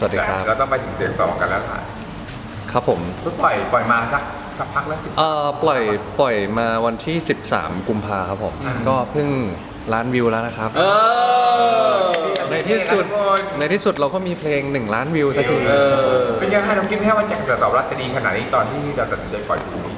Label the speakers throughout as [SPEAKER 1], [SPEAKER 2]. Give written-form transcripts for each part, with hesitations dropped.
[SPEAKER 1] วัสดีครับ
[SPEAKER 2] เราต้องไปถึงเสียงสองกันแล้วล่ะ
[SPEAKER 1] ครับผม
[SPEAKER 2] เพิ่งปล่อยมาสักพักแล้ว
[SPEAKER 1] ปล่อยมาวันที่13กุมภาครับผมก็เพิ่งล้านวิวแล้วนะครับในที่สุดเราก็มีเพลง1ล้านวิวสักที
[SPEAKER 2] เป็นยังไงเราคิดไหมว่าจะตอบรับจะดีขนาดนี้ตอนที่เราตัดสินใจปล่อยเพลงนี้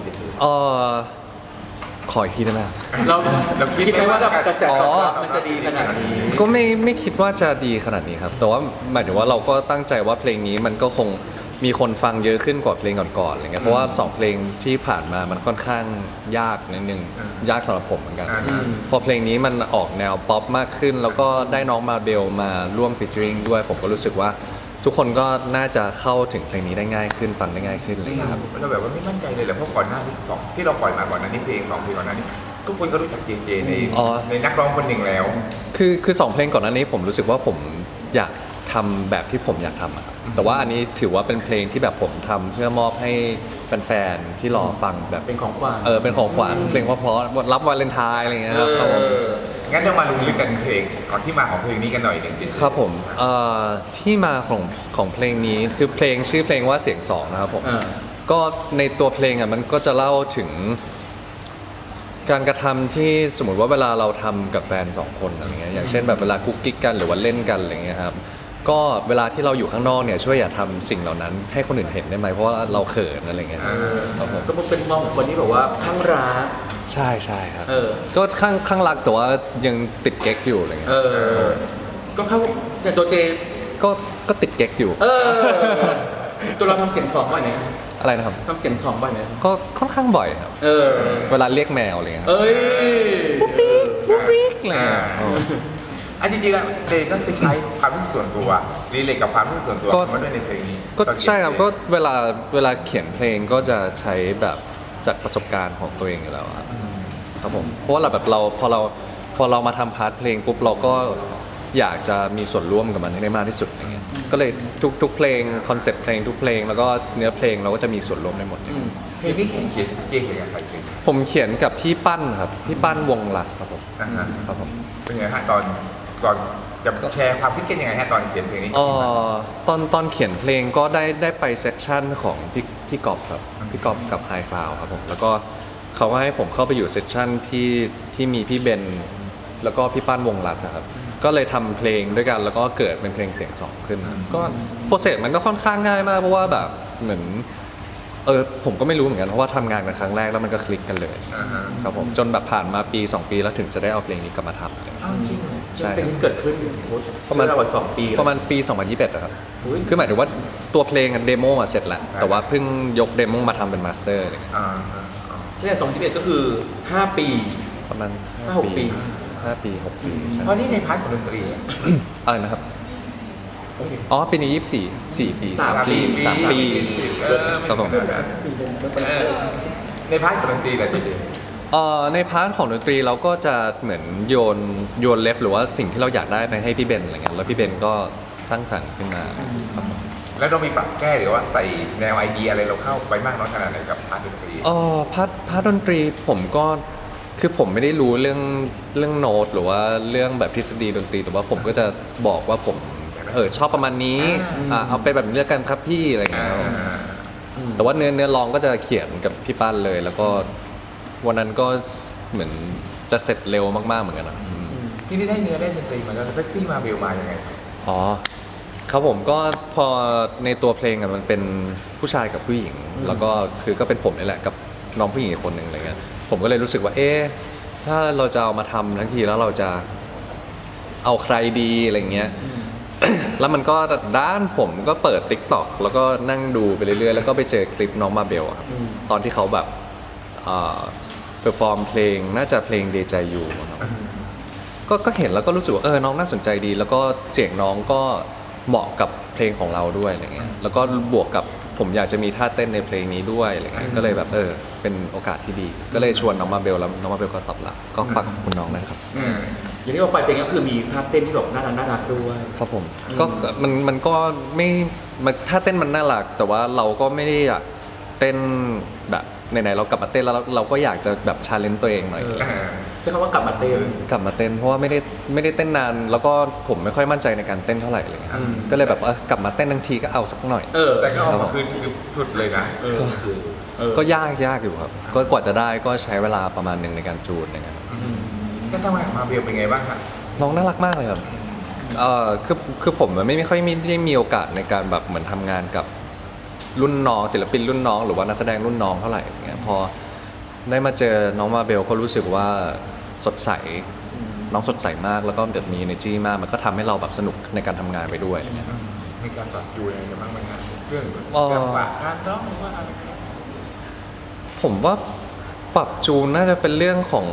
[SPEAKER 1] ขออีกทีได้ไหม
[SPEAKER 3] เราคิดไหมว่ากระแสตอบรับมันจะดีขนาดนี้
[SPEAKER 1] ก็ไม่คิดว่าจะดีขนาดนี้ครับแต่ว่าหมายถึงว่าเราก็ตั้งใจว่าเพลงนี้มันก็คงมีคนฟังเยอะขึ้นกว่าเพลงก่อนๆอะไรเงี้ยเพราะว่า2เพลงที่ผ่านมามันค่อนข้างยากนิดนึงยากสำหรับผมเหมือนกันพอเพลงนี้มันออกแนวป๊อปมากขึ้นแล้วก็ได้น้องมาเบลมาร่วมฟีเจอริงด้วยผมก็รู้สึกว่าทุกคนก็น่าจะเข้าถึงเพลงนี้ได้ง่ายขึ้นฟังได้ง่ายขึ้นเลยครับ
[SPEAKER 2] เราแบบว่าไม่มั่นใจเลยแหละเพราะก่อนหน้านี้ที่เราปล่อยมาก่อนหน้านี้เพลง2เพลงก่อนหน้านี้ทุกคนก็รู้จักเจในนักร้องคนหนึ่งแล้ว
[SPEAKER 1] คือ2เพลงก่อนหน้านี้ผมรู้สึกว่าผมอยากทำแบบที่ผมอยากทำอะแต่ว่าอันนี้ถือว่าเป็นเพลงที่แบบผมทำเพื่อมอบให้แฟนๆที่รอฟังแบบ
[SPEAKER 3] เป็นของขวัญ
[SPEAKER 1] เป็นของขวัญเพลงเพราะๆรับวาเลนไทน์อะไรเงี้ยครับ
[SPEAKER 2] งั้นเรามาลงลึกกันเพลงก่อนที่มาของเพลงนี้กันหน่อยหนึ่ง
[SPEAKER 1] ครับผมที่มาของเพลงนี้คือเพลงชื่อเพลงว่าเสียงสองนะครับผมก็ในตัวเพลงอ่ะมันก็จะเล่าถึงการกระทำที่สมมติว่าเวลาเราทำกับแฟน2คนอะไรเงี้ยอย่างเช่นแบบเวลากุ๊กกิ๊กกันหรือว่าเล่นกันอะไรเงี้ยครับก็เวลาที่เราอยู่ข้างนอกเนี่ยช่วยอย่าทำสิ่งเหล่านั้นให้คนอื่นเห็นได้ไหมเพราะว่าเราเขินอะไรเงี้ยครับผม
[SPEAKER 3] ก็เป็นมองของคนที่แบบว่าข้างรัก
[SPEAKER 1] ใช่ครับก็ข้างรักแต่ว่ายังติดเก๊กอยู่อะไรเงี้ย
[SPEAKER 3] ก็เข้าแต่ตัวเจ
[SPEAKER 1] ก็ติดเก๊กอยู่
[SPEAKER 3] ตัวเราทำเสียงสองบ่อยไหม
[SPEAKER 1] อะไรนะครับ
[SPEAKER 3] ทำเสียงสองบ่อยไหม
[SPEAKER 1] ก็ค่อนข้างบ่อยครับเวลาเรียกแมวอะไรเงี้ย
[SPEAKER 3] ปุ๊บ
[SPEAKER 1] ปิ๊กอะไร
[SPEAKER 2] จริงๆแล้วเพลงก็ไปใช้ความรู้สึกส่วนตัวรีเลทกับความรู้สึกส่วนตัวมาด้วยในเพลงนี้
[SPEAKER 1] ก็ใช่ครับก็เวลาเขียนเพลงก็จะใช้แบบจากประสบการณ์ของตัวเองอยู่แล้วครับผมเพราะว่าเราพอเรามาทำพาร์ทเพลงปุ๊บเราก็อยากจะมีส่วนร่วมกับมันให้ได้มากที่สุดอย่างเงี้ยก็เลยทุกเพลงคอนเซ็ปต์เพลงทุกเพลงแล้วก็เนื้อเพลงเราก็จะมีส่วนร่วมได้หมด
[SPEAKER 2] เพลงนี้เขียนกับใคร
[SPEAKER 1] ผมเขียนกับพี่ปั้นครับพี่ปั้นวงลัสครับผมครับผม
[SPEAKER 2] เป็นไงฮะก่อนจะแชร์ความคิดกันยังไงฮะตอนเขียนเพลงนี้
[SPEAKER 1] ตอนเขียนเพลงก็ได้ไปเซสชั่นของพี่กอบครับพี่กอบกับไฮคลาวครับผมแล้วก็เขาก็ให้ผมเข้าไปอยู่เซสชั่นที่มีพี่เบนแล้วก็พี่ปั้นวงลัสครับก็เลยทำเพลงด้วยกันแล้วก็เกิดเป็นเพลงเสียงสองขึ้นก็โปรเซสมันก็ค่อนข้างง่ายมากเพราะว่าแบบเหมือนผมก็ไม่รู้เหมือนกันเพราะว่าทำงานกันครั้งแรกแล้วมันก็คลิกกันเลยครับผมจนแบบผ่านมาปี2ปีแล้วถึงจะได้เอาเพลงนี้กลับมาทำเลย
[SPEAKER 3] จริงใช่เป็นเกิดขึ้นประมาณ2 ปี
[SPEAKER 1] ประมาณปี2021นะครับคือหมายถึงว่าตัวเพลงเดโมมาเสร็จแล้วแต่ว่าเพิ่งยกเดโมมาทำเป็นมาสเตอร์อะไรเงี้ย
[SPEAKER 3] ที่2021ก็คือ5 ปี
[SPEAKER 1] ประมาณ
[SPEAKER 3] 5-6 ปี
[SPEAKER 1] 5 ปี 6 ปี
[SPEAKER 2] เพราะนี่ในพาร์ทของดนตรี
[SPEAKER 1] อะไรนะครับปีนี้4 ปี3 ปีครับผม
[SPEAKER 2] ในพาร์ทของดนตรีอะไรจริง
[SPEAKER 1] ในพาร์ทของดนตรีเราก็จะเหมือนโยนเลฟหรือว่าสิ่งที่เราอยากได้ไปให้พี่เบนอะไรเงี้ยแล้วพี่เบนก็สร้างสรรค์ขึ้นมาครับผม
[SPEAKER 2] แล้วเรามีปรับแก้หรือว่าใส่แนวไอเดียอะไรเราเข้าไปมากน้อยขนาดไหนกับพาร์ทดนตรี
[SPEAKER 1] พาร์ทดนตรีผมก็คือผมไม่ได้รู้เรื่องโน้ตหรือว่าเรื่องแบบทฤษฎีดนตรีแต่ว่าผมก็จะบอกว่าผมชอบประมาณนี้เอาไปแบบนี้แล้วกันครับพี่อะไรเงี้ยแต่ว่าเนื้อร้องก็จะเขียนกับพี่ปั้นเลยแล้วก็วันนั้นก็เหมือนจะเสร็จเร็วมากๆเหมือนกันนะ
[SPEAKER 2] ที่นี่ได้เนื้อได้ดนตรีมาแล้วแท็กซี่มาเบลมายังไง
[SPEAKER 1] ครับผมก็พอในตัวเพลงมันเป็นผู้ชายกับผู้หญิงแล้วก็คือก็เป็นผมนี่แหละกับน้องผู้หญิงอีกคนหนึ่งอะไรเงี้ยผมก็เลยรู้สึกว่าถ้าเราจะเอามาทำทั้งทีแล้วเราจะเอาใครดีอะไรเงี้ยแล้วมันก็ด้านผมก็เปิด TikTok แล้วก็นั่งดูไปเรื่อยๆแล้วก็ไปเจอคลิปน้องมาเบลครับตอนที่เขาแบบเพอร์ฟอร์มเพลงน่าจะเพลงเดจายูก็เห็นแล้วก็รู้สึกว่าน้องน่าสนใจดีแล้วก็เสียงน้องก็เหมาะกับเพลงของเราด้วยอะไรเงี้ยแล้วก็บวกกับผมอยากจะมีท่าเต้นในเพลงนี้ด้วยอะไรเงี้ยก็เลยแบบเป็นโอกาสที่ดีก็เลยชวนน้องมาเบลแล้วน้องมาเบลก็ตอบรับก็ฝากขอบคุณน้องนะครับ
[SPEAKER 3] อย่างที่บอกไปเพลงก็คือมีท่าเต้นที่แบบน่ารักด้วย
[SPEAKER 1] ครับผมก็มันก็ไม่ท่าเต้นมันน่ารักแต่ว่าเราก็ไม่ได้อยากเต้นแบบไหนๆเรากลับมาเต้นแล้วเราก็อยากจะแบบชาเลนจ์ตัวเองหน่อย
[SPEAKER 3] ใช้คำว่ากลับมาเต้น
[SPEAKER 1] กลับมาเต้นเพราะว่าไม่ได้เต้นนาน แล้วก็ผมไม่ค่อยมั่นใจในการเต้นเท่าไหร่เลยครับก็เลยแบบว่ากลับมาเต้นทั้งทีก็เอาสักหน่อย
[SPEAKER 2] แต่ก็ออกมาคือสุดเลยนะ
[SPEAKER 1] ก็ยากอยู่ครับก็กว่าจะได้ก็ใช้เวลาประมาณหนึ่งในการจูนนะครับ
[SPEAKER 2] ก็ทำงานมาเบลเป็นไงบ้างครับ
[SPEAKER 1] น้องน่ารักมากเลยครับคือผมไม่ค่อยได้มีโอกาสในการแบบเหมือนทำงานกับรุ่นน้องศิลปินรุ่นน้องหรือว่านักแสดงรุ่นน้องเท่าไหร่อย่างเงี้ยพอได้มาเจอน้องมาเบลก็รู้สึกว่าสดใสน้องสดใสมากแล้วก็แบบมี energy มากมันก็ทำให้เราแบบสนุกในการทำงานไปด้วยอย่างเงี้ย
[SPEAKER 2] มีการปรับจูนอะไรกันบ้างไหมครับเรื่อง
[SPEAKER 1] อ๋อ
[SPEAKER 2] การปรับการร้องหรือว่าอะไรกัน
[SPEAKER 1] ผมว่าปรับจูนน่าจะเป็นเรื่องของ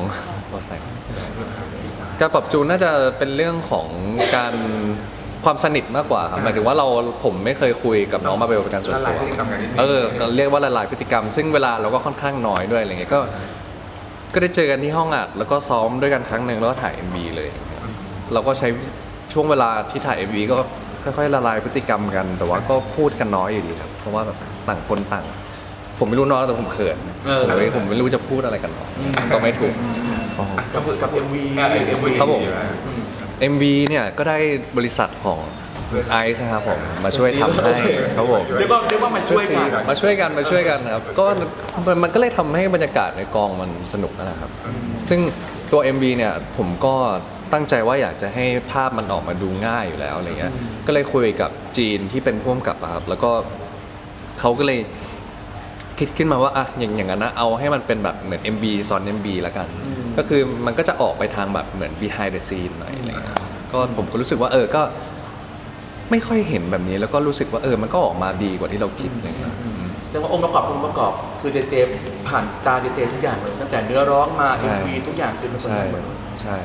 [SPEAKER 1] การปรับจูนน่าจะเป็นเรื่องของการความสนิทมากกว่าครับหมายถึงว่าผมไม่เคยคุยกับน้องมาเบลเป็นการส่วน
[SPEAKER 2] ละลา
[SPEAKER 1] ตั
[SPEAKER 2] ยว พฤติกรรมกันนิดนึง
[SPEAKER 1] เรียกว่าละลายพฤติกรรม ซึ่งเวลาเราก็ค่อนข้างน้อยด้วยอะไรเงี้ยก็ได้เจอกันที่ห้องอัดแล้วก็ซ้อมด้วยกันครั้งหนึ่งแล้วก็ถ่าย MV เลยอย่างเงี้ยเราก็ใช้ช่วงเวลาที่ถ่าย MV ก็ค่อยๆละลายพฤติกรรมกัน แต่ว่าก็พูดกันน้อยอยู่ดีครับเพราะว่าแบบต่างคนต่าง ผมไม่รู้น้องแต่ผมเขินผมไม่รู้จะพูดอะไรกันหรอกก็ไม่ถูก
[SPEAKER 3] กับ MV
[SPEAKER 1] ครับผม MV เนี่ยก็ได้บริษัทของไอซ์นะครับผมมาช่วยทำให้ครับผม
[SPEAKER 3] เรียกว่ามาช่วยกัน
[SPEAKER 1] มาช่วยกันนะครับก็มันก็เลยทำให้บรรยากาศในกองมันสนุกนะครับ ซึ่งตัว MV เนี่ยผมก็ตั้งใจว่าอยากจะให้ภาพมันออกมาดูง่ายอยู่แล้วอะไรเงี้ยก็เลยคุยกับจีนที่เป็นผู้กำกับอะครับแล้วก็เขาก็เลยคิดขึ้นมาว่าอะอย่างนั้นนะเอาให้มันเป็นแบบเหมือน MV ซ้อน MV แล้วกัน ก็คือมันก็จะออกไปทางแบบเหมือน behind the scene หน่อยอะไรเงี้ยก็ผมก็รู้สึกว่าก็ไม่ค่อยเห็นแบบนี้แล้วก็รู้สึกว่ามันก็ออกมาดีกว่าที่เราคิดอะไรเงี้ย
[SPEAKER 3] แต่ว่าองค์ประกอบคือเจผ่านตาเจทุกอย่างเลยตั้งแต่เนื้อร้องมา MV ทุกอย่างคือมันเป็น
[SPEAKER 1] ใช่
[SPEAKER 3] เหมือน
[SPEAKER 1] ใช่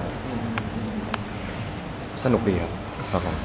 [SPEAKER 1] สนุกดีครับครับผม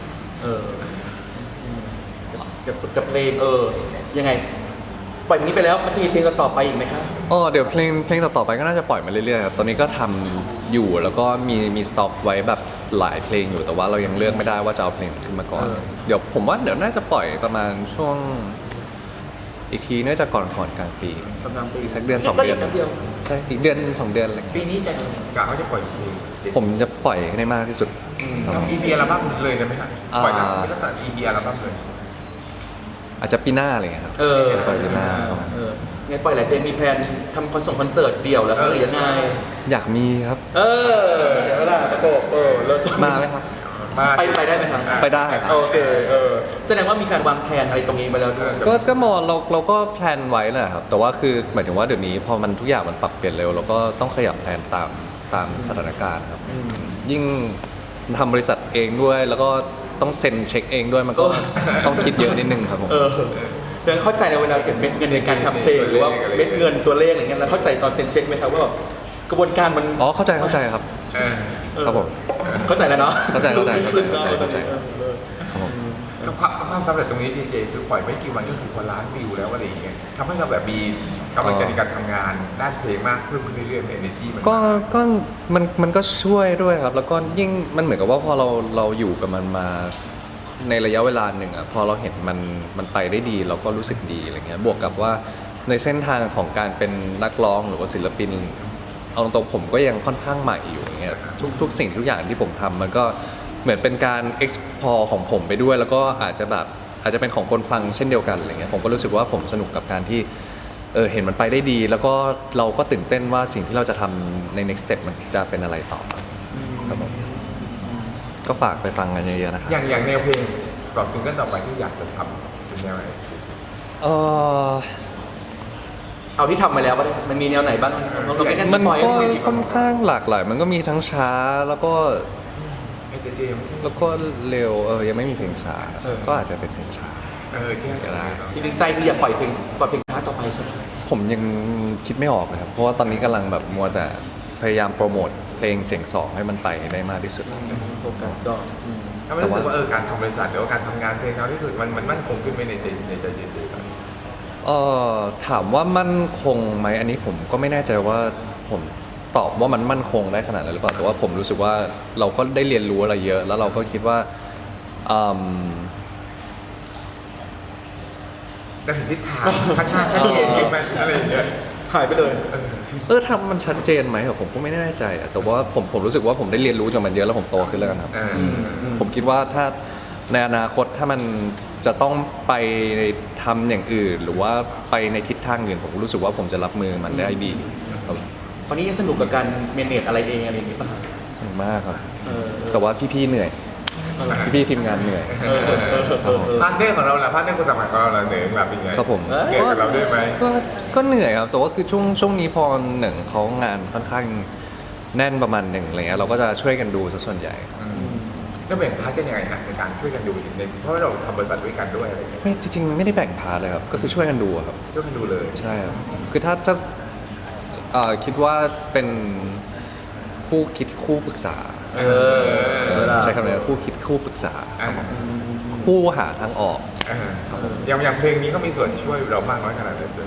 [SPEAKER 3] กับเพลงยังไงปล่อยอย่างนี้ไปแล้วมันจะมีเพลงต่อไปอีกไหมครับ
[SPEAKER 1] เดี๋ยวเพลงต่อๆไปก็น่าจะปล่อยมาเรื่อยๆครับตอนนี้ก็ทำอยู่แล้วก็มีสต็อกไว้แบบหลายเพลงอยู่แต่ว่าเรายังเลือกไม่ได้ว่าจะเอาเพลงขึ้นมาก่อนเดี๋ยวผมว่าเดี๋ยวน่าจะปล่อยประมาณช่วงอีกทีน่าจะก่อนกลางปี
[SPEAKER 3] กำลังไป
[SPEAKER 1] อีกสักเดือน2 เดือน
[SPEAKER 3] เดียว
[SPEAKER 1] ใช่อีกเดือน2 เดือนอะไรเงี้ย
[SPEAKER 2] ปีนี้จะกะเขาจะปล่อยเพลง
[SPEAKER 1] ผมจะปล่อยให้ได้มากที่สุดครับ
[SPEAKER 2] ทำ EP อัลบั้มเลยได้ไหมครับปล่อยหลังเป็นลักษณะ EP อัลบั้มเลย
[SPEAKER 1] อาจจะปีหน้าอะไรเงี้ยครับปล่อยปีหน้าครับ
[SPEAKER 3] ไงปล่อยหลายเพลงมีแพลนทำคอนเสิร์ตเดี่ยวแล้วหรือยังไง
[SPEAKER 1] อยากมีครับ
[SPEAKER 3] เดี๋ยวเวลาประกบเริ่มต้น
[SPEAKER 1] มาไหมครับ
[SPEAKER 3] ไปได้ไหมครับ
[SPEAKER 1] ไปได้ครับ
[SPEAKER 3] โอเคแสดงว่ามีการวางแผนอะไรตรงนี้มาแล้วด้วย
[SPEAKER 1] ก็มองเราก็แพลนไว้แหละครับแต่ว่าคือหมายถึงว่าเดี๋ยวนี้พอมันทุกอย่างมันปรับเปลี่ยนเร็วเราก็ต้องขยับแพลนตามสถานการณ์ครับยิ่งทำบริษัทเองด้วย แล้วก็ต้องเซ็นเช็คเองด้วยมันก็ต้องคิดเยอะนิดนึงครับผม
[SPEAKER 3] เดี๋ยวเข้าใจในเวลาเห็นเม็ดเงินในการทำเพลงหรือว่าเม็ดเงินตัวเลขอะไรเงี้ยแล้วเข้าใจตอนเซ็นเช็คไหมครับว่าแบบกระบวนการมัน
[SPEAKER 1] เข้าใจครับครับผม
[SPEAKER 3] เข้าใจแล้วเนาะ
[SPEAKER 1] เข้าใจครับผม
[SPEAKER 2] กับความสำเร็จตรงนี้เจคือปล่อยไม่กี่วันก็คือคนล้านวิวแล้วอะไรอย่างเงี้ยทำให้เราแบบมีกำลังใจในการทำงานด้านเพลงมากเพิ่มขึ้นเรื่อยๆ energy
[SPEAKER 1] ก็มันก็ช่วยด้วยครับ แล้วก็ยิ่งมันเหมือนกับว่าพอเราอยู่กับมันมาในระยะเวลาหนึ่งอ่ะพอเราเห็นมันไปได้ดีเราก็รู้สึกดีอะไรเงี้ยบวกกับว่าในเส้นทางของการเป็นนักร้องหรือว่าศิลปินเอาตรงๆผมก็ยังค่อนข้างใหม่อยู่อย่างเงี้ยทุกสิ่งทุกอย่างที่ผมทำมันก็เหมือนเป็นการ explore ของผมไปด้วย แล้วก็อาจจะเป็นของคนฟังเช่นเดียวกันอะไรเงี้ยผมก็รู้สึกว่าผมสนุกกับการที่เห็นมันไปได้ดี แล้วก็เราก็ตื่นเต้นว่าสิ่งที่เราจะทำใน next step มันจะเป็นอะไรต่อครับผมก็ฝากไปฟังกันเยอะๆนะครับ
[SPEAKER 2] อย่างแนวเพลงกรอบซิงเกิลต่อไปที่อยากจะทำเป็นแนวไหน
[SPEAKER 3] เอาที่ทำมาแล้วมันมีแนวไหนบ้างเราไม่ได้ส
[SPEAKER 1] มัน
[SPEAKER 3] ปอย
[SPEAKER 1] ก็ค่อนข้างหลากหลายมันก็มีทั้งช้าแล้วก็
[SPEAKER 2] ไอ้เจมส์
[SPEAKER 1] แล้วก็เร็วยังไม่มีเพลงช้าก็อาจจะเป็นเพลงช้า
[SPEAKER 2] ใช่
[SPEAKER 1] ก็ได้
[SPEAKER 3] จริงๆใจคืออยากปล่อยเพลงช้าต่อไปใช่ไหม
[SPEAKER 1] ผมยังคิดไม่ออกเลยครับเพราะว่าตอนนี้กำลังแบบมัวแต่พยายามโปรโมทเพลงเสียงสองให้มันไปได้มากที่สุด
[SPEAKER 3] โอกาสก็
[SPEAKER 2] ถ้าไม่รู้สึกว่าการทำบริษัทหรือว่าการทำงานเพลงเราที่สุดมันมั่นคงขึ้นไหมในใจเจครับ
[SPEAKER 1] ถามว่ามั่นคงไหมอันนี้ผมก็ไม่แน่ใจว่าผมตอบว่ามันมั่นคงได้ขนาดนั้นหรือเปล่าแต่ว่าผมรู้สึกว่าเราก็ได้เรียนรู้อะไรเยอะ แล้วเราก็คิดว่า
[SPEAKER 2] แต่ถึงทิศทางข้างหน้าชัดเจนขึ้นไหมอะไรอย่างเงี้ย
[SPEAKER 3] หายไปเลย
[SPEAKER 1] ทำมันชัดเจนไหมอะผมก็ไม่แน่ใจอะแต่ว่าผมรู้สึกว่าผมได้เรียนรู้จากมันเยอะแล้วผมโตขึ้นแล้วกันครับ ผมคิดว่าถ้าในอนาคตถ้ามันจะต้องไปทำอย่างอื่น หรือว่าไปในทิศทางอื่นผมรู้สึกว่าผมจะรับมือมันได้ดีครับ
[SPEAKER 3] ตอนนี้ยังสนุกกับการเมเนจอะไรเองอะไรอย่างนี้ป่ะ
[SPEAKER 1] สนุกมากครับ
[SPEAKER 3] เออ
[SPEAKER 1] แต่ว่าพี่ๆเหนื่อย พี่ๆทีมงานเหนื่อยครับผม
[SPEAKER 2] พาร์ทเนอร์ของเราล่ะพาร์ทเนอร์คนสมัครของเราล่ะเหนื่อยแบบเป็นไง
[SPEAKER 1] ครับผม
[SPEAKER 2] เหนื่อยกับเราด้วยไหม
[SPEAKER 1] ก็เหนื่อยครับแต่ว่าคือช่วงนี้พอหนึ่งเขางานค่อนข้างแน่นประมาณหนึ่งอะไรเงี้ยเราก็จะช่วยกันดูซะส่วนใหญ่
[SPEAKER 2] แล้วแบ่งพาร์ทกันยังไงฮะในการช่วยกันดูในเพราะว่าเราทำบริษัทด้วยกันด้วยอะไรอย่างเงี้ย
[SPEAKER 1] ไม่จริงๆไม่ได้แบ่งพาร์ทเลยครับก็คือช่วยกันดูอะครับ
[SPEAKER 2] ช่วยกันดูเลย
[SPEAKER 1] ใช่ครับคือถ้าคิดว่าเป็นคู่คิดคู่ปรึกษา
[SPEAKER 3] เออ
[SPEAKER 1] ใช้คำนี้คู่คิดคู่ปรึกษา
[SPEAKER 2] อ่า
[SPEAKER 1] คู่หาทางออก
[SPEAKER 2] อย่างเพลงนี้ก็มีส่วนช่วยเรามากน้อยขนาดไหนเสือ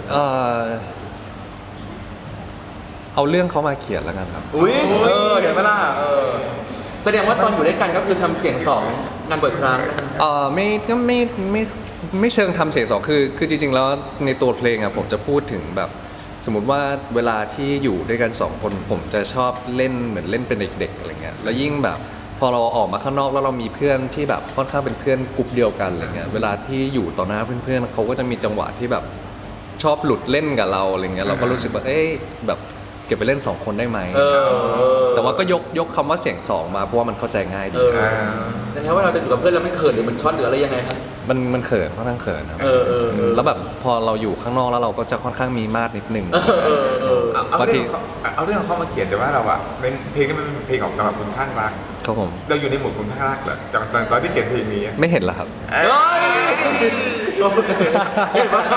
[SPEAKER 1] เอาเรื่องเขามาเขียนแล้วกันครับ
[SPEAKER 3] อุ้ยเห็นไหมล่ะแสดงว่าตอนอยู่ด้วยกันก็คือทำเสียงสองงานบ่อยครั้ง
[SPEAKER 1] ไม่ก็ไม่เชิงทำเสียงสองคือจริงๆแล้วในตัวเพลงอะผมจะพูดถึงแบบ สมมุติว่าเวลาที่อยู่ด้วยกันสองคนผมจะชอบเล่นเหมือนเล่นเป็นเด็กๆอะไรเงี้ยแล้วยิ่งแบบพอเราออกมาข้างนอกแล้วเรามีเพื่อนที่แบบค่อนข้างเป็นเพื่อนกลุ่มเดียวกันอะไรเงี้ยเวลาที่อยู่ต่อหน้าเพื่อนๆเขาก็จะมีจังหวะที่แบบชอบหลุดเล่นกับเราอะไรเงี้ยเราก็รู้สึกว่าแบบเก็บไปเล่นสองคนได้ไหมแต่ว่าก็ยกคำว่าเสียงสองมาเพราะว่ามันเข้าใจง่ายดี
[SPEAKER 3] แต่ถ้าว่าเราจะอยู่กับเพื่อนแล้วมันเขินหรือมันช็อตหรืออะไรยังไงครับ
[SPEAKER 1] มันเขินค่อนข้างเขินครับ
[SPEAKER 3] แล้ว
[SPEAKER 1] แล้วแบบพอเราอยู่ข้างนอกแล้วเราก็จะค่อนข้างมีมาดนิดนึง
[SPEAKER 2] เอาเรื่องของเขามาเขียนแต่ว่าเราอะในเพลงนี้มันเป็นเพลงของกำลังคุณข้างรัก
[SPEAKER 1] ครับผม
[SPEAKER 2] เราอยู่ในหมวดคุณข้างรักเหรอตอนที่เขียนเพลงนี้
[SPEAKER 1] ไม่เห็นเหรอครับ
[SPEAKER 3] เห็นปะ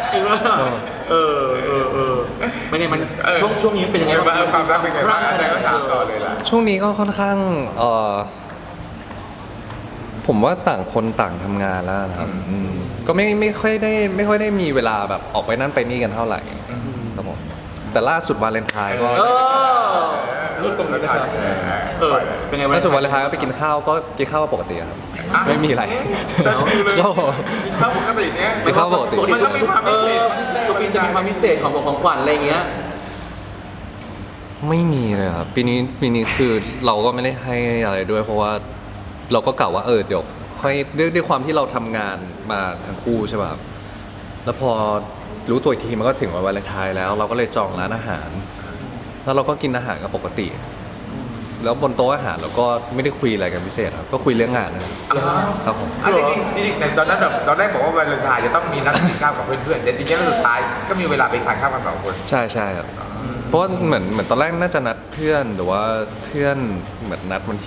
[SPEAKER 3] ไม่ไงมันช่วงนี้เป็นยังไงบ้าง
[SPEAKER 2] ความรักเป็นไงบ้างอะไรก็ถามต่อเลยล่ะ
[SPEAKER 1] ช่วงนี้ก็ค่อนข้างผมว่าต่างคนต่างทำงานแล้วนะครับก็ไม่ค่อยได้มีเวลาแบบออกไปนั่นไปนี่กันเท่าไหร่ครับผมแต่ล่าสุดวาเลนไทน์ก็
[SPEAKER 3] รูปตรงนี้นะครับเป็นไง
[SPEAKER 1] ล่าสุดวาเลนไทน์ก็ไปกินข้าวก็กินข้าวปกติครับไม่มีอะไรก็
[SPEAKER 2] กินข้าวปกติเนี้ย
[SPEAKER 1] กินข้าวปกติ
[SPEAKER 2] มันต้องมีความพิเศษ
[SPEAKER 3] ตัวปีจะมีความพิเศษของขวัญอะไรเงี้ย
[SPEAKER 1] ไม่มีเลยครับปีนี้คือเราก็ไม่ได้ให้อะไรด้วย เพราะว่าเราก็กล่าวว่าเดี๋ยวค่อยด้วยความที่เราทำงานมาทั้งคู่ใช่ป่ะครับแล้วพอรู้ตัวอีกทีมันก็ถึงวันวาเลนไทน์แล้ว เราก็เลยจองร้านอาหาร แล้วเราก็กินอาหารกันปกติ แล้วบนโต๊ะอาหารเราก็ไม่ได้คุยอะไรกันพิเศษครับก็คุยเรื่องงานนะครับผม
[SPEAKER 2] จริงแต่ตอนนั้นแบบตอนแรกบอกว่าวาเลนไทน์จะต้องมีนัดกินข้าวกับเพื่อนๆแต่จริงๆแล้วสุดท้ายก็มีเวลาไปทานข้าวกันสองคน
[SPEAKER 1] ใช่ครับเพราะว่าเหมือนตอนแรกน่าจะนัดเพื่อนหรือว่าเพื่อนเหมือนนัดวันที่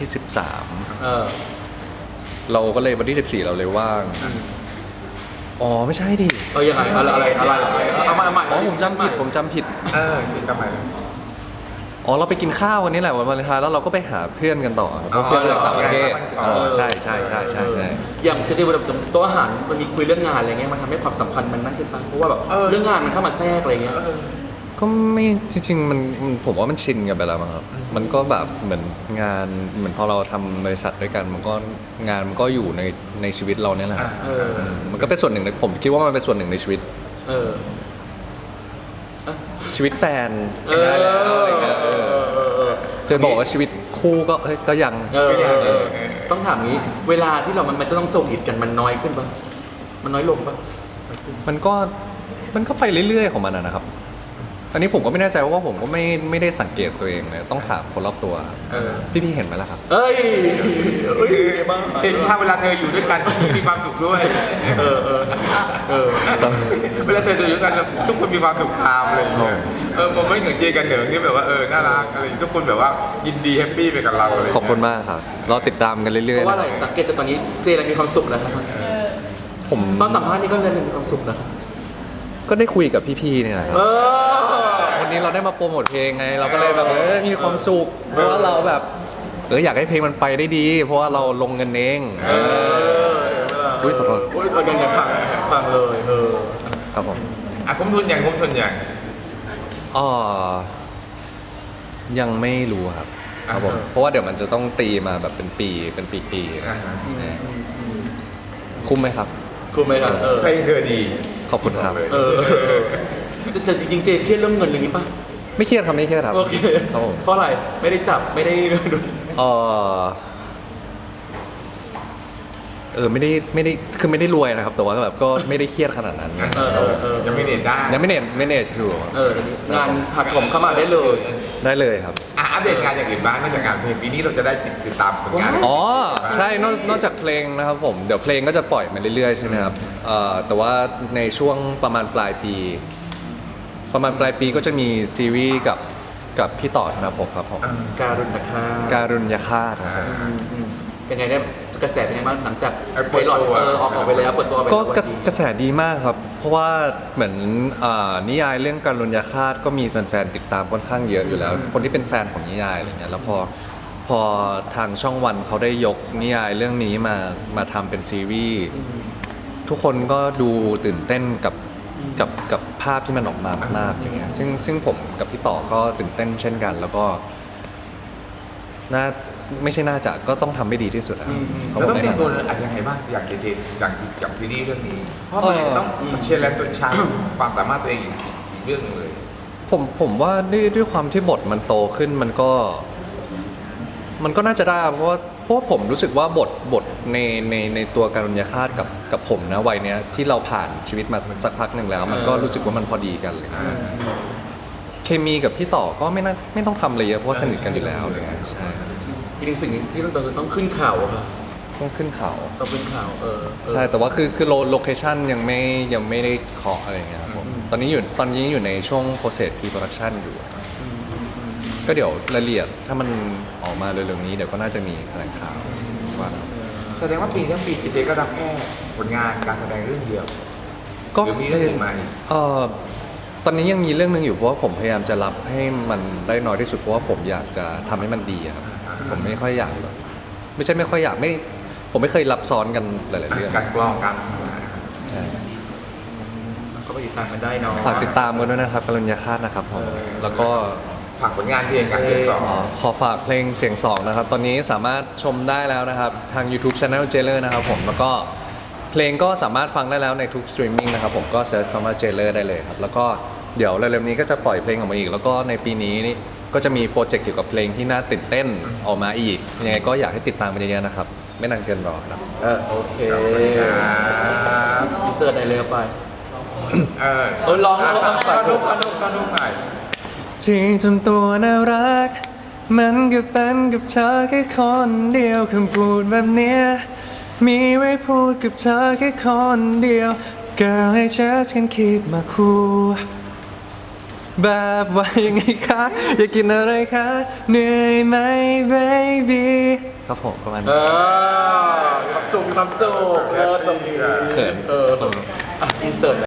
[SPEAKER 1] 13เราก็เลยวันที่ 14เราเลยว่างอ๋อไม่ใช่ดิ
[SPEAKER 3] ยังไงอะไรเอามาใหม่
[SPEAKER 1] อ๋อผมจำผิดจ
[SPEAKER 2] จริงทำไม
[SPEAKER 1] อ๋อเราไปกินข้าววันนี้แหละวันวาเลนไทน์แล้วเราก็ไปหาเพื่อนกันต่อเพราะเพื่อนจากต่างประเทศใช่
[SPEAKER 3] อย่างจะที่แบบโต๊ะอาหารมันมีคุยเรื่องงานอะไรเงี้ยมันทำให้ความสัมพันธ์มันนั่นขึ้นไปเพราะว่าแบบเรื่องงานมันเข้ามาแทรกอะไรเงี้ย
[SPEAKER 1] ก็ไม่จริงๆมันผมว่ามันชินกันไปแล้วมั้งครับมันก็แบบเหมือนงานเหมือนพอเราทำบริษัทด้วยกันมันก็งานมันก็อยู่ในชีวิตเราเนี่ยแหละมันก็เป็นส่วนหนึ่งผมคิดว่ามันเป็นส่วนหนึ่งในชีวิตชีวิตแฟนได้แล้วอะไรเงี้ยจะบอกว่าชีวิตคู่ก็ยัง
[SPEAKER 3] ต้องถามงี้เวลาที่เรามันจะต้องส่งอิดกันมันน้อยขึ้นป่ะมันน้อยลงป่ะ
[SPEAKER 1] มันก็ไปเรื่อยๆของมันนะครับอันนี้ผมก็ไม่แน่ใจว่าผมก็ไม่ได้สังเกตตัวเองเลยต้องถามคนรอบตัวพี่เห็นไหมล่ะครับ
[SPEAKER 2] เห็นถ้าเวลาเธออยู่ด้วยกันมีความสุขด้วยเวลาเธออยู่ด้วยกันทุกคนมีความสุขตามอะไรอย่างเงี้ยผมไม่ถึงเจกันเหนิงนี่แบบว่าน่ารักอะไรทุกคนแบบว่ายินดีแฮปปี้ไปกับเราอะไร
[SPEAKER 1] ขอบคุณมากครับเราติดตามกันเรื่อยๆ
[SPEAKER 3] เพราะว่าอะไรสังเกตจากตอนนี้เจเรามีความสุขแล้วครับ
[SPEAKER 1] ผม
[SPEAKER 3] ตอนสัมภาษณ์นี่ก็เลยมีความสุขแล้ว
[SPEAKER 1] ก็ได้คุยกับพี่ๆเนี่ยแหละครับวันนี้เราได้มาโปรโมทเพลงไงเราก็เลยแบบมีความสุขเพราะว่าเราแบบอยากให้เพลงมันไปได้ดี เพราะว่าเราลงเงินเองอุ้ยขอโทษ
[SPEAKER 3] เงินพังเลย
[SPEAKER 1] ครับผม
[SPEAKER 2] คุ้มทุนอย่าง
[SPEAKER 1] ยังไม่รู้ครับผมเพราะว่าเดี๋ยวมันจะต้องตีมาแบบเป็นปีคุ้มไหมครับ
[SPEAKER 3] คุ้มไหมครับ
[SPEAKER 2] เพลงเธอดี
[SPEAKER 1] ขอบคุณครับ
[SPEAKER 3] แต่จริงๆเจเครียดเรื่องเงินอย่างนี้ป่ะ
[SPEAKER 1] ไม่เครียดครับไม่เครียดครับ
[SPEAKER 3] โอเค
[SPEAKER 1] ครับผม
[SPEAKER 3] เพราะอะไรไม่ได้จับไม่ได้
[SPEAKER 1] เอไม่ได้คือไม่ได้รวยนะครับ แต่ว่าแบบก็ไม่ได้เครียดขนาดนั้น
[SPEAKER 2] ยังไม่เน็ตได้
[SPEAKER 1] ยังไม่เนชดู
[SPEAKER 3] งานถักถมเข้ามาได้เลย
[SPEAKER 1] ได้เลยครับ
[SPEAKER 2] อัปเดตงานอย่างอื่นบ้างนอกจากงานเพลงปีนี้เราจะได้ติดตามผลงาน
[SPEAKER 1] อ๋อใช่นอกจากเพลงนะครับผมเดี๋ยวเพลงก็จะปล่อยมาเรื่อยๆใช่ไหมครับแต่ว่าในช่วงประมาณปลายปีก็จะมีซีรีส์กับพี่ต่อธนภพครับผม
[SPEAKER 3] การุณนะคะ
[SPEAKER 1] การุญยฆาตครับผม
[SPEAKER 3] เป็นไงได้กระแสเป็นไงบ้างหลังจาก
[SPEAKER 2] เปิดตัว
[SPEAKER 3] ไพลอตออกไปแล้วเปิดตัวไป
[SPEAKER 1] ก็
[SPEAKER 3] แล้ว
[SPEAKER 1] กระแสดีมากครับ เพราะว่าเหมือนนิยายเรื่องการุญยฆาตก็มีแฟนๆติดตามค่อนข้างเยอะอยู่แล้ว คนที่เป็นแฟนของนิยายอะไรเงี้ยแล้วพอทางช่องวันเขาได้ยกนิยายเรื่องนี้มาทำเป็นซีรีส์ทุกคนก็ดูตื่นเต้นกับภาพที่มันออกมามากๆอย่างเงี้ยซึ่งผมกับพี่ต่อก็ตื่นเต้นเช่นกัน แล้วก็ไม่ใช่น่าจะก็ต้องทำให้ดีที่สุดนะครับ
[SPEAKER 2] เราต้องเตรียมตัวอะไรยังไงบ้างอย่างเจจากซีรีส์เรื่องนี้ เพราะมันต้องเชลเลนตัวชาความสามารถตัวเองอีกเรื่องหนึงเลย
[SPEAKER 1] ผมว่าด้วยความที่บทมันโตขึ้นมันก็น่าจะได้เพราะว่าผมรู้สึกว่าบทในตัวการุญยฆาตกับผมนะวัยเนี้ยที่เราผ่านชีวิตมาสักพักหนึ่งแล้ว มันก็รู้สึกว่ามันพอดีกันเลยเคมีกับพี่ต่อก็ไม่ต้องทำอะไรเยอะเพราะว่าสนิทกันอยู่แล้วเลยใช่
[SPEAKER 3] อีกหนึ่งสิ่งที่ต้องขึ้นเขาค่ะ
[SPEAKER 1] ต้องขึ้นเขา
[SPEAKER 3] ต้องขึ้นเขา
[SPEAKER 1] ใช่แต่ว่าคือโลเคชั่นยังไม่ได้เคาะอะไรอย่างเงี้ยครับผมตอนนี้อยู่ในช่วง process pre-production อยู่ ก็เดี๋ยวรายละเอียดถ้ามันออกมาเร็วๆนี้เดี๋ยวก็น่าจะมีแถลงข่าวว่า
[SPEAKER 2] แสดงว่าปีทั้งปีเจก็รับแค่ผลงานการแสดงเรื่องเดียว
[SPEAKER 1] ก็
[SPEAKER 2] หรือมีเรื่องอื่นมาอีก
[SPEAKER 1] ตอนนี้ยังมีเรื่องหนึงอยู่เพราะว่าผมพยายามจะรับให้มันได้น้อยที่สุดเพราะว่าผมอยากจะทำให้มันดีอะครับผมไม่ค่อยอยากแบบไม่ใช่ไม่ค่อยอยากผมไม่เคยรับซ้อนกันหลายๆเรื่อง
[SPEAKER 2] การกล้องการ
[SPEAKER 1] ใช่
[SPEAKER 3] ก็ไปติดตามกันได้เนาะ
[SPEAKER 1] ฝากติดตามกันด้วยนะครับกรุณยาคาตนะครับผมแล้วก็
[SPEAKER 2] ฝากผลงานเพลงการเสียงสอง
[SPEAKER 1] ขอฝากเพลงเสียงสองนะครับ ตอนนี้สามารถชมได้แล้วนะครับ ทาง YouTube Channel Jailer นะครับผมแล้วก็เพลงก็สามารถฟังได้แล้วในทุกสตรีมมิ่งนะครับผมก็เซิร์ชคำว่า Jailer ได้เลยครับ แล้วก็เดี๋ยวเร็วๆนี้ก็จะปล่อยเพลงออกมาอีก แล้วก็ในปีนี้นี่ก็จะมีโปรเจกต์เกี่ยวกับเพลงที่น่าตื่นเต้นออกมาอีกยังไงก็อยากให้ติดตามกันเยอะๆนะครับ ไม่นานเกินรอครับ
[SPEAKER 3] โอเค
[SPEAKER 2] ครับ
[SPEAKER 3] อินเสิร์ตได้เลยไป ร้อง
[SPEAKER 2] ตอนนุ๊กหน่อย
[SPEAKER 1] ที่ทำตัวน่ารัก มันก็เป็นกับเธอแค่คนเดียวคำพูดแบบเนี้ยมีไว้พูดกับเธอแค่คนเดียว Girl I just can't keep my cool แบบว่ายังไงคะอยากกินอะไรคะเหนื่อยไหม baby ครับผมประมาณนี้
[SPEAKER 3] ความสุขเลิศตรงนี้
[SPEAKER 1] เขิน
[SPEAKER 3] อินเสิร์ต